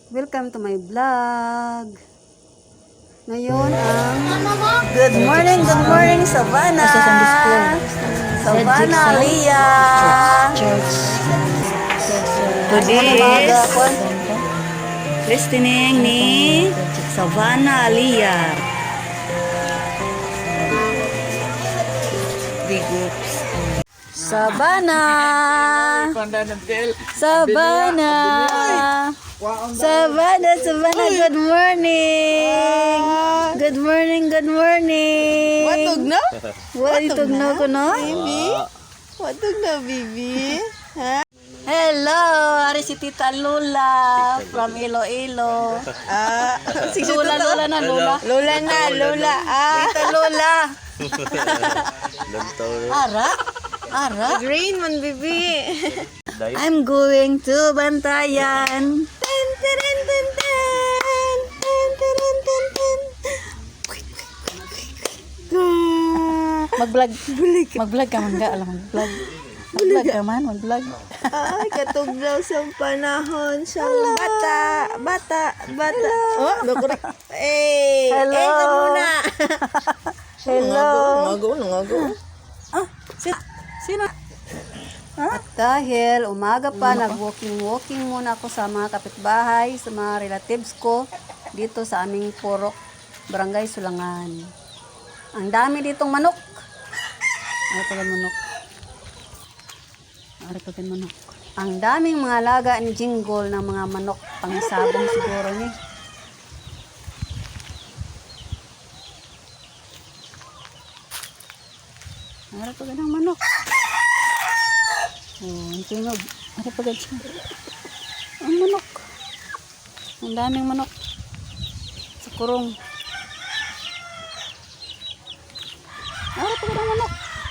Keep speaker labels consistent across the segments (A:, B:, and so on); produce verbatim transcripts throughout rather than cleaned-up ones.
A: Welcome to my vlog. Ngayon ang good morning, good morning Savannah. Savannah, Leah. Today is listening ni Savannah Leah. Big groups. Savannah. Savannah. Savannah, Savannah, good morning. Good morning, good morning.
B: Watog na?
A: Watog na ko, no?
B: Bibi? Watog na, Bibi? Ha?
A: Hello, ari si Tita Lula from Iloilo.
B: Ah, sige,
A: Lula, Lula na, Lula.
B: Lola na, Lola. Ah,
A: Tita Lula. Ara? Ara?
B: green man, Bibi.
A: I'm going to Bantayan. Ten, ten, ten, ten, ten. Ten, ten, ten, ten, ten. Mag-vlog. Mag-vlog ka man ga. Alam, mag-vlog. Mag-vlog ka man, mag-vlog.
B: Ay, katuglaw sa panahon sa bata. Bata, bata. Oh, bakuri. Eh,
A: Hello.
B: eh, ka muna.
A: Hello.
B: Nangago, nangago.
A: Ah, sit. Sino? At dahil umaga pa, nag-walking-walking muna ako sa mga kapitbahay, sa mga relatives ko, dito sa aming Purok, Barangay Sulangan. Ang dami ditong manok. Ari pa gan manok. Ari pa gan manok. Ang daming mga laga ni Jingle ng mga manok, pangisabong siguro ni. Ari pa gan ang manok. Oh, ang tunog. Ari pa gan siya. Ang manok. Ang daming manok. Sa kurong. Ari pa gan ang manok.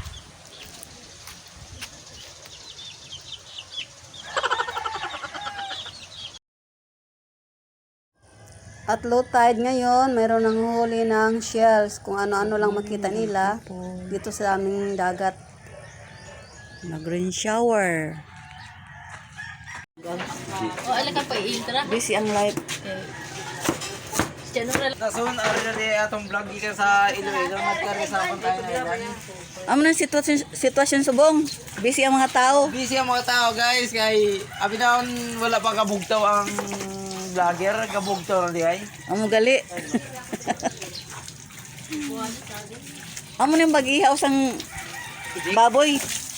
A: At low tide ngayon, mayroon ng huli ng shells, kung ano-ano lang makita nila dito sa aming dagat. Nag-rain shower.
C: O, ala ka pa i-intra?
A: Busy ang light.
D: Tasun, ari na di atong vlog ikan sa Iloilo, nagkari sa akong tayo na ilan.
A: Amo na sitwasyon, sitwasyon subong. Busy ang mga tao.
D: Busy ang mga tao guys, kay abinawon wala pa kabugtaw ang vlogger, kabugtaw na di ay.
A: Amo gali. Amo na yung bag-ihaw sang baboy.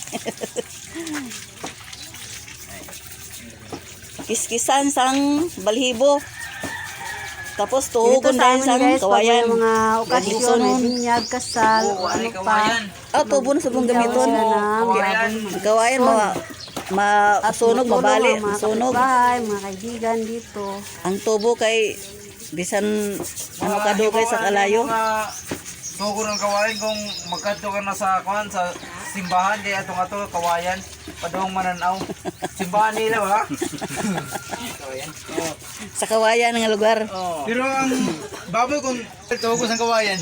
A: Kiskisan sang balhibo. Tapos tuhugon dahil sang kawayan. Mga okasyon, may binyag, kasal,
D: Oo,
A: ano
D: ari
A: pa.
D: kawayan.
A: Oh, tubo na subong gamiton.
D: Kawayan.
A: Kawayan, mga masunog, mabali, masunog.
B: Bahay, mga kaibigan dito.
A: Ang tubo kay bisan ano kadugay sa kalayo.
D: Tugo ng kawayan kung magkadto ka na sa kuan sa simbahan di atong ato kawayan padung mananaw. Simbahan nila ba? Kawayan. Oh.
A: Sa kawayan nga lugar.
D: Oh. Pero ang baboy kung tugo sa kawayan.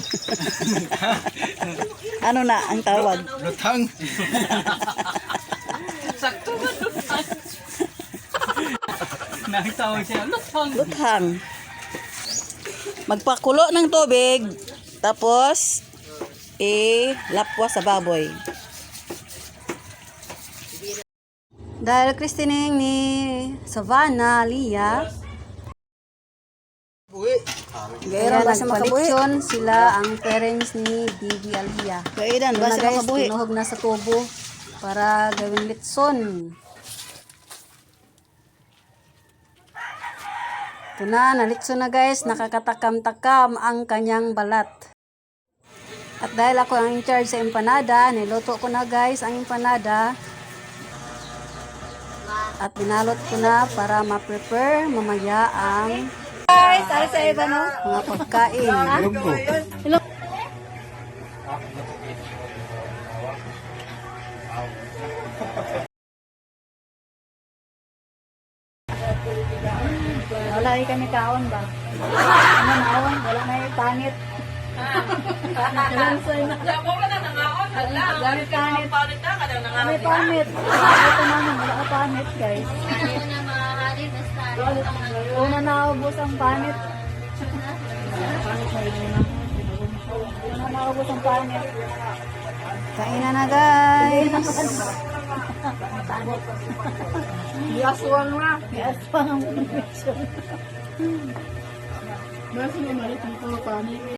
A: Ano na ang tawag?
D: Lutang.
C: Sakto ba lutang? Nakitawag siya, lutang.
A: Luthang. Magpakulo ng tubig, tapos i-lapwa sa baboy. Dahil christening ni Savannah Leah,
D: Uy.
A: gayron ba sa makabulitsyon sila ang parents ni Bibi Aliyah. Gayran ba sa makabuhi? Tinuhog na sa tubo para gawing litson. Ito na, nalitson na guys, nakakatakam-takam ang kanyang balat. At dahil ako ang in-charge sa empanada, niluto ko na guys ang empanada. At binalot ko na para ma-prepare mamaya ang guys, ay sa iba no? Mga pagkain. Hello. Wala rin kami kaon ba? Ano naon? Wala na yung panit. Kalansoy na.
C: Wala na nangaon. Hala.
A: Gamit panit.
C: Panit na ka daw nangaon.
A: May panit. Ito namin, wala ka panit guys.
C: Ayaw na mahali basta
A: Una naubos ang panit. Una naubos ang panit. Kainan na guys.
B: Yaswang na.
A: Yes, pang